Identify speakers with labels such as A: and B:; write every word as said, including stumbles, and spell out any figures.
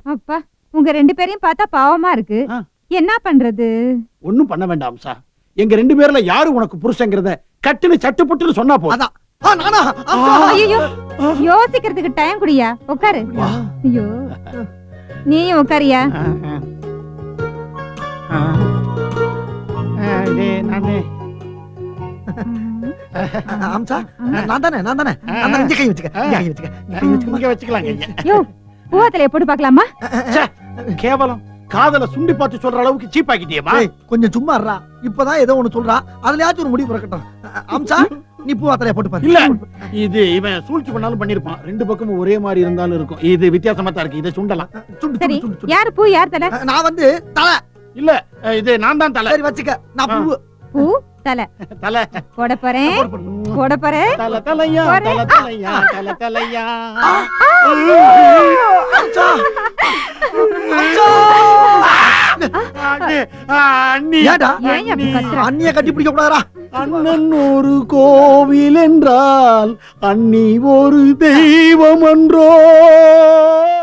A: அப்பா உங்க ரெண்டு பேரையும் பார்த்தா பாவமா இருக்கு. என்ன பண்றது?
B: ஒண்ணும் பண்ண வேண்டாம் சார். எங்க ரெண்டு பேர்ல யாரு உனக்கு புருஷங்கிறத கட்டுன்னு சட்டு புட்டுன்னு சொன்னா போதும்.
A: ஐயோ யோசிக்கிறதுக்கு டைம் குடியா. உட்காரு. ஐயோ நீயும் உட்காரியா. பூவத்திலே போட்டு பாக்கலாமா?
B: கேவலம் காதல சுண்டி பார்த்து சொல்ற அளவுக்கு சீப் ஆக்கிட்டியேமா.
C: கொஞ்சம் சும்மா இருடா. இப்பதான் ஏதோ ஒண்ணு சொல்றா, அதுலயாச்சும் ஒரு முடிவு பிறக்கட்டும். அம்சா நீ பூவாத்திரைய போட்டு பாரு.
B: இல்ல இது இவன் சூழ்ச்சி பண்ணாலும் பண்ணிருப்பான். ரெண்டு பக்கமும் ஒரே மாதிரி இருந்தாலும் இருக்கும். இது வித்தியாசமா தான் இருக்கு. இதை சுண்டலாம்.
A: சரி யாரு பூ யார் தலை?
C: நான் வந்து தலை.
B: இல்ல இது நான் தான் தலை.
C: சரி வச்சுக்க. நான் பூ
A: பூ தலை
B: தலை
A: போட போறேன். போட போறேன்.
B: தலை தலையா தலை தலையா தலை தலையா.
C: அம்சா அம்சா
B: அண்ணி
C: அண்ணிய கட்டி பிடிக்க கூடாதா?
B: அண்ணன் ஒரு கோவில் என்றால் அண்ணி ஒரு தெய்வம் என்றோ.